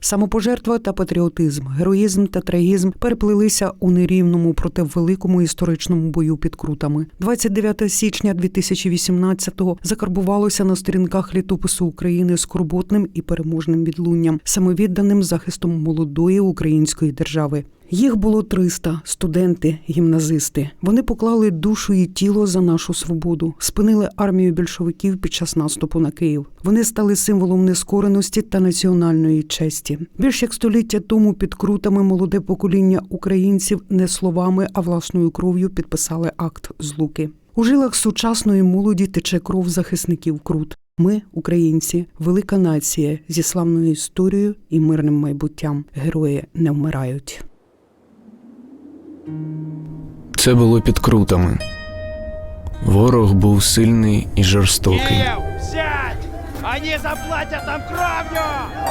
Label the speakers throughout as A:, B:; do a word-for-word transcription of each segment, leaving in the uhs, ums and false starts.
A: Самопожертва та патріотизм, героїзм та трагізм переплилися у нерівному, проте великому історичному бою під Крутами. двадцять дев'ятого січня дві тисячі вісімнадцятого закарбувалося на сторінках літопису України скорботним і переможним відлунням, самовідданим захистом молодої української держави. Їх було триста – студенти, гімназисти. Вони поклали душу і тіло за нашу свободу, спинили армію більшовиків під час наступу на Київ. Вони стали символом нескореності та національної честі. Більш як століття тому під Крутами молоде покоління українців не словами, а власною кров'ю підписали акт Злуки. У жилах сучасної молоді тече кров захисників Крут. Ми, українці, велика нація зі славною історією і мирним майбуттям. Герої не вмирають.
B: Це було під Крутами. Ворог був сильний і жорстокий.
C: Київ, сядь! Вони заплатять нам кров'ю!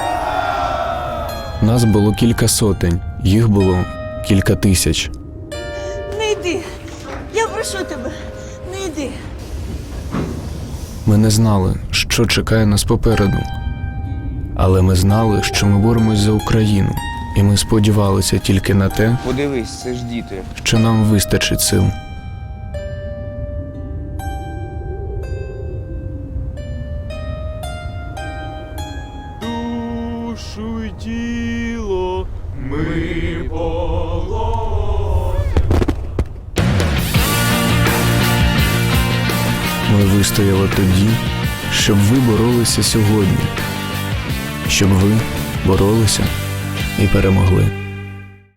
B: Нас було кілька сотень, їх було кілька тисяч.
D: Не йди! Я прошу тебе, не йди!
B: Ми не знали, що чекає нас попереду. Але ми знали, що ми боремось за Україну. І ми сподівалися тільки на те,
E: Подивись, це ж діти.
B: що нам вистачить сил.
C: Душу й тіло ми положимо.
B: Ми вистояли тоді, щоб ви боролися сьогодні. Щоб ви боролися і перемогли.